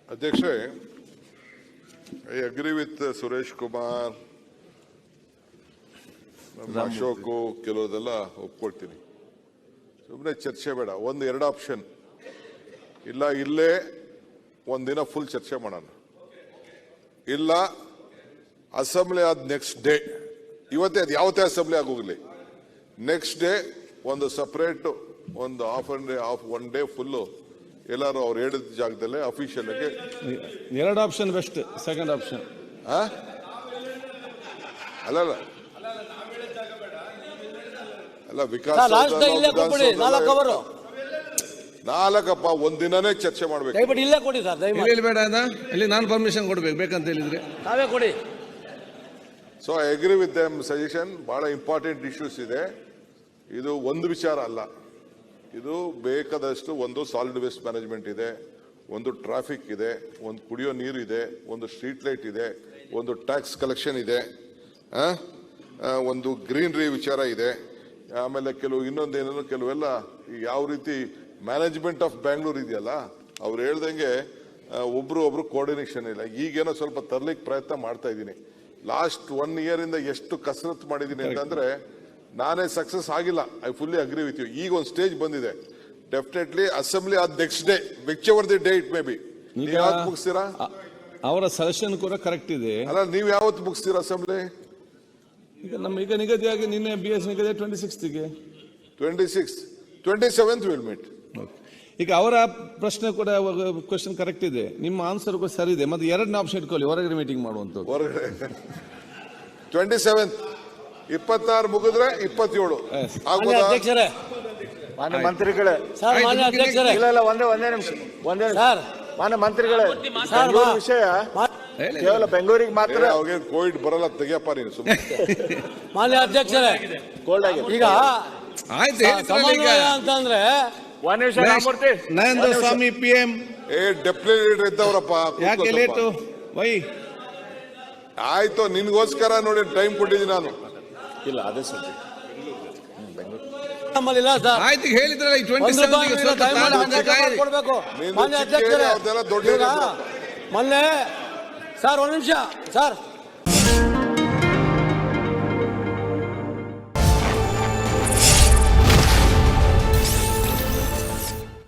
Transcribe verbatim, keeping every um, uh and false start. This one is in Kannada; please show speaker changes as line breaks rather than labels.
ಅಧ್ಯಕ್ಷೆ, I agree with Suresh Kumar, Ashok, ಕೆಲವುದೆಲ್ಲ ಒಪ್ಕೊಳ್ತೀನಿ. ಸುಮ್ಮನೆ ಚರ್ಚೆ ಬೇಡ. ಒಂದು ಎರಡು ಆಪ್ಷನ್ ಇಲ್ಲ, ಇಲ್ಲೇ ಒಂದಿನ ಫುಲ್ ಚರ್ಚೆ ಮಾಡೋಣ, ಇಲ್ಲ ಅಸೆಂಬ್ಲಿ ಆದ ನೆಕ್ಸ್ಟ್ ಡೇ, ಇವತ್ತೇ ಅದು ಯಾವತ್ತೇ ಅಸೆಂಬ್ಲಿ ಆಗೋಗ್ಲಿ, ನೆಕ್ಸ್ಟ್ ಡೇ ಒಂದು ಸಪರೇಟ್ ಒಂದು half and day half one day full ಎಲ್ಲಾರು ಅವ್ರು ಹೇಳಿದ ಜಾಗದಲ್ಲೇ ಅಫಿಷಿಯಲ್ ಆಗಿ.
ಎರಡು ಆಪ್ಷನ್ ಬೆಸ್ಟ್. ಸೆಕೆಂಡ್ ಆಪ್ಷನ್
ಅಲ್ಲಲ್ಲ ಅಲ್ಲ, ವಿಕಾಸ್ ನಾಲ್ಕಪ್ಪ ಒಂದಿನನೇ ಚರ್ಚೆ ಮಾಡ್ಬೇಕು.
ಇಲ್ಲೇ ಕೊಡಿ ಸರ್,
ಇಲ್ಲಿ ಬೇಡ, ಇಲ್ಲಿ ನಾನು ಪರ್ಮಿಷನ್ ಕೊಡ್ಬೇಕು ಬೇಕಂತ ಹೇಳಿದ್ರೆ
ನಾವೇ ಕೊಡಿ.
So I agree with them suggestion. ಬಹಳ ಇಂಪಾರ್ಟೆಂಟ್ ಇಶ್ಯೂಸ್ ಇದೆ. ಇದು ಒಂದು ವಿಚಾರ ಅಲ್ಲ, ಇದು ಬೇಕಾದಷ್ಟು. ಒಂದು ಸಾಲಿಡ್ ವೇಸ್ಟ್ ಮ್ಯಾನೇಜ್ಮೆಂಟ್ ಇದೆ, ಒಂದು ಟ್ರಾಫಿಕ್ ಇದೆ, ಒಂದು ಕುಡಿಯೋ ನೀರು ಇದೆ, ಒಂದು ಸ್ಟ್ರೀಟ್ ಲೈಟ್ ಇದೆ, ಒಂದು ಟ್ಯಾಕ್ಸ್ ಕಲೆಕ್ಷನ್ ಇದೆ, ಒಂದು ಗ್ರೀನರಿ ವಿಚಾರ ಇದೆ, ಆಮೇಲೆ ಕೆಲವು ಇನ್ನೊಂದೇನೇನು ಕೆಲವೆಲ್ಲ ಯಾವ ರೀತಿ ಮ್ಯಾನೇಜ್ಮೆಂಟ್ ಆಫ್ ಬ್ಯಾಂಗ್ಳೂರ್ ಇದೆಯಲ್ಲ, ಅವ್ರು ಹೇಳ್ದಂಗೆ ಒಬ್ರು ಒಬ್ರು ಕೋಆರ್ಡಿನೇಷನ್ ಇಲ್ಲ. ಈಗೇನೋ ಸ್ವಲ್ಪ ತರ್ಲಿಕ್ಕೆ ಪ್ರಯತ್ನ ಮಾಡ್ತಾ ಇದ್ದೀನಿ. ಲಾಸ್ಟ್ ಒನ್ ಇಯರ್ ಇಂದ ಎಷ್ಟು ಕಸರತ್ತು ಮಾಡಿದ್ದೀನಿ ಅಂತಂದ್ರೆ ನಾನೇ ಸಕ್ಸಸ್ ಆಗಿಲ್ಲ. I fully agree with you. ಈಗ ಒಂದು ಸ್ಟೇಜ್ ಬಂದಿದೆ. ಡೆಫಿನೆಟ್ಲಿ ಅಸೆಂಬ್ಲಿ ಆದ next day, whichever the day it may be, ನೀವು ಯಾವತ್ತು ಮುಗಿಸ್ತೀರಾ?
ಅವರ ಸಜೆಷನ್ ಕೂಡ ಕರೆಕ್ಟ್ ಇದೆ.
ಅಲ್ಲ, ನೀವು ಯಾವತ್ತು ಮುಗಿಸ್ತೀರಾ ಅಸೆಂಬ್ಲಿ?
ಈಗ ನಮ್ಮ ಈಗ ನಿಗದಿಯಾಗಿ ನಿನ್ನೆ ಬಿ ಎಸ್ ನಿಗದಿ ಟ್ವೆಂಟಿ ಸಿಕ್ಸ್ತ್ಗೆ
twenty six twenty seventh will meet.
ಈಗ ಅವರ ಪ್ರಶ್ನೆ ಕೂಡ ಕ್ವಶನ್ ಕರೆಕ್ಟ್ ಇದೆ, ನಿಮ್ಮ ಆನ್ಸರ್ ಕೂಡ ಸರಿ ಇದೆ. ಮತ್ತೆ ಎರಡನೇ ಆಪ್ಷನ್ ಇಟ್ಕೊಳ್ಳಿ, ಹೊರಗಡೆ ಮೀಟಿಂಗ್ ಮಾಡುವಂತ. ಹೊರಗಡೆ
ಟ್ವೆಂಟಿ ಸೆವೆಂತ್ ಇಪ್ಪತ್ತಾರು ಮುಗಿದ್ರೆ ಇಪ್ಪತ್ತೇಳು
ಅಧ್ಯಕ್ಷರೇ,
ಮಾನ್ಯ ಮಂತ್ರಿಗಳೇ,
ಮಾನ್ಯ ಅಧ್ಯಕ್ಷರೇ,
ಇಲ್ಲ ಇಲ್ಲ ಒಂದೇ ಒಂದೇ ನಿಮಿಷ ಒಂದೇ ಸರ್. ಮಾನ್ಯ ಮಂತ್ರಿಗಳೇ, ವಿಷಯ ಕೇವಲ ಬೆಂಗಳೂರಿಗೆ ಮಾತ್ರ.
ಅವ್ರಿಗೆ ಕೋವಿಡ್ ಬರಲ್ಲ, ತೆಗಿಯಪ್ಪ ನೀನು ಸುಮ್ಮನೆ.
ಮಾನ್ಯ ಅಧ್ಯಕ್ಷರೇ,
ಕೋಲ್ಡ್ ಆಗಿದೆ
ಈಗ ಅಂತಂದ್ರೆ
ಒಂದ್ ನಿಮಿಷ Ramamurthy.
Narendra Swamy P M
A deputy leader ಇದ್ದವರಪ್ಪ,
ಯಾಕೆ ಲೇಟು? ವೈ
ಆಯ್ತು, ನಿನ್ಗೋಸ್ಕರ ನೋಡಿ ಟೈಮ್ ಕೊಟ್ಟಿದ್ದೀನಿ ನಾನು.
ಇಲ್ಲ ಅದೇ ಸರ್,
ಆಯ್ತು ಹೇಳಿದ್ರಲ್ಲ ಟ್ವೆಂಟಿ
ಕೊಡ್ಬೇಕು. ಮಾನ್ಯ ಅಧ್ಯಕ್ಷರೇ, ಮೊನ್ನೆ ಸರ್ ಒಂದ್ ನಿಮಿಷ ಸರ್